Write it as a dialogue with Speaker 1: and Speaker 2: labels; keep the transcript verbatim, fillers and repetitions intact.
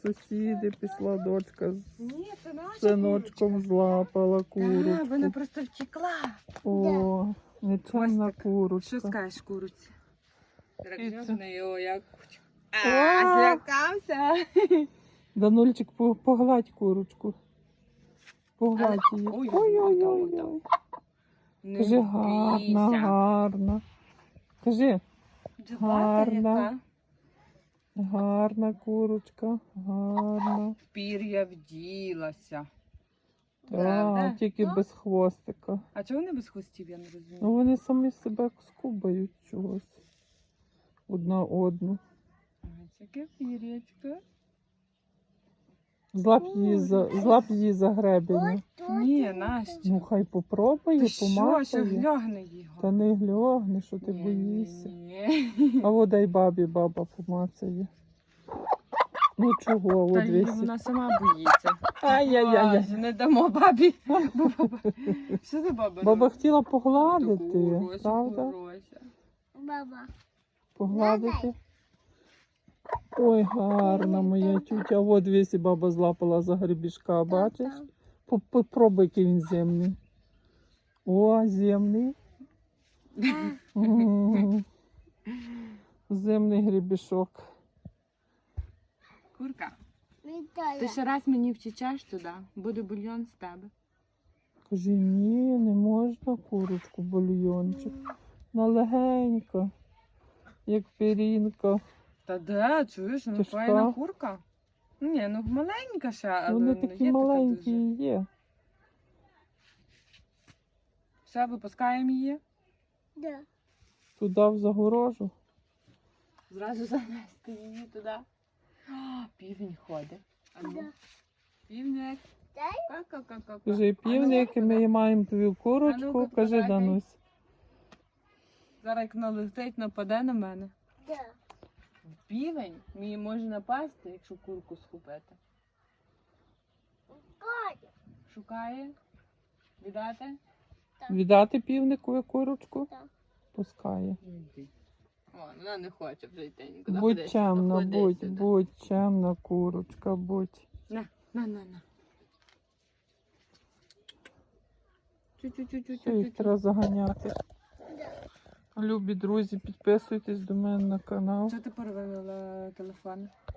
Speaker 1: Сусіди пішла дочка з
Speaker 2: Ні, це наша
Speaker 1: синочком злапала
Speaker 2: курочка. А,
Speaker 1: курочку.
Speaker 2: вона просто втекла.
Speaker 1: О, нечемна
Speaker 2: Костик,
Speaker 1: курочка.
Speaker 2: Що скажеш куриці?
Speaker 1: Киця.
Speaker 2: на його як.
Speaker 1: А,
Speaker 2: А, злякався.
Speaker 1: Данульчик, по- погладь курочку. Погладь
Speaker 2: Але-
Speaker 1: її.
Speaker 2: Ой,
Speaker 1: Ой-ой-ой.
Speaker 2: отам, Не
Speaker 1: Кажи гарна,
Speaker 2: бійся.
Speaker 1: гарна. Кажи,
Speaker 2: Джабата
Speaker 1: гарна.
Speaker 2: яка.
Speaker 1: гарна курочка, гарна.
Speaker 2: В пір'я вділася.
Speaker 1: Так,
Speaker 2: Правда?
Speaker 1: тільки без хвостика.
Speaker 2: А чого вони без хвостів, я не розумію.
Speaker 1: Ну вони самі себе скубають чогось. Одна одну.
Speaker 2: Ось яке пір'ячко.
Speaker 1: Злап її за, злап її за гребінь.
Speaker 2: Ні, Настя.
Speaker 1: Ну хай попробує,
Speaker 2: Ти що, що
Speaker 1: помахає.
Speaker 2: глягне його?
Speaker 1: Та не гльогне, що ти
Speaker 2: Ні,
Speaker 1: боїшся.
Speaker 2: ні, ні.
Speaker 1: А от дай бабі, баба помацає. Ну чого,
Speaker 2: Та
Speaker 1: от
Speaker 2: її
Speaker 1: весь.
Speaker 2: вона сама боїться.
Speaker 1: Ай-яй-яй.
Speaker 2: Боже, не дамо бабі. Бо баба- Що ти баба?
Speaker 1: Баба
Speaker 2: робить?
Speaker 1: хотіла погладити,
Speaker 2: Курося,
Speaker 1: правда?
Speaker 2: курося.
Speaker 3: Баба.
Speaker 1: Погладити. Ой, гарна моя тютя. От весь і баба злапала за гребішка, бачиш? По- Попробуй, який він земний. О, земний. М. Земний гребішок.
Speaker 2: Курка, ти
Speaker 3: Вітаю.
Speaker 2: ще раз мені втічеш туди, буде бульйон з тебе.
Speaker 1: Кажи, ні, не можна курочку, бульйончик. На легенько, як пірінка.
Speaker 2: Та де, чуєш, ну
Speaker 1: Тяжка.
Speaker 2: файна курка. Ні, ну маленька ще, але
Speaker 1: Вони
Speaker 2: ну,
Speaker 1: такі
Speaker 2: є така
Speaker 1: маленькі
Speaker 2: дуже.
Speaker 1: і є.
Speaker 2: Все, випускаємо її.
Speaker 3: Да.
Speaker 1: Туди в загорожу.
Speaker 2: Зразу занести її туди. О, півень ходить. А ну,
Speaker 3: Да.
Speaker 2: півник.
Speaker 3: Дай.
Speaker 2: Ка-ка-ка-ка-ка.
Speaker 1: Кажи, півник, ми маємо твою курочку.
Speaker 2: А ну-ка,
Speaker 1: Кажи,
Speaker 2: подай.
Speaker 1: Данусь.
Speaker 2: Зараз як налетить, нападе на мене.
Speaker 3: Да.
Speaker 2: Півень мені може напасти, якщо курку схопити.
Speaker 3: Катя.
Speaker 2: Шукає. Віддати?
Speaker 1: Віддати півнику курочку?
Speaker 3: Так.
Speaker 1: Пускає.
Speaker 2: О, вона не хоче вже йти нікуди.
Speaker 1: Будь
Speaker 2: Ходи сюди,
Speaker 1: чемна,
Speaker 2: ходи
Speaker 1: будь,
Speaker 2: сюди.
Speaker 1: будь чемна курочка, будь.
Speaker 2: На, на, на, на.
Speaker 1: Все, їх
Speaker 2: Чу-чу-чу-чу-чу-чу.
Speaker 1: треба заганяти.
Speaker 3: Да.
Speaker 1: Любі друзі, підписуйтесь до мене на канал.
Speaker 2: Чого ти порвала телефон?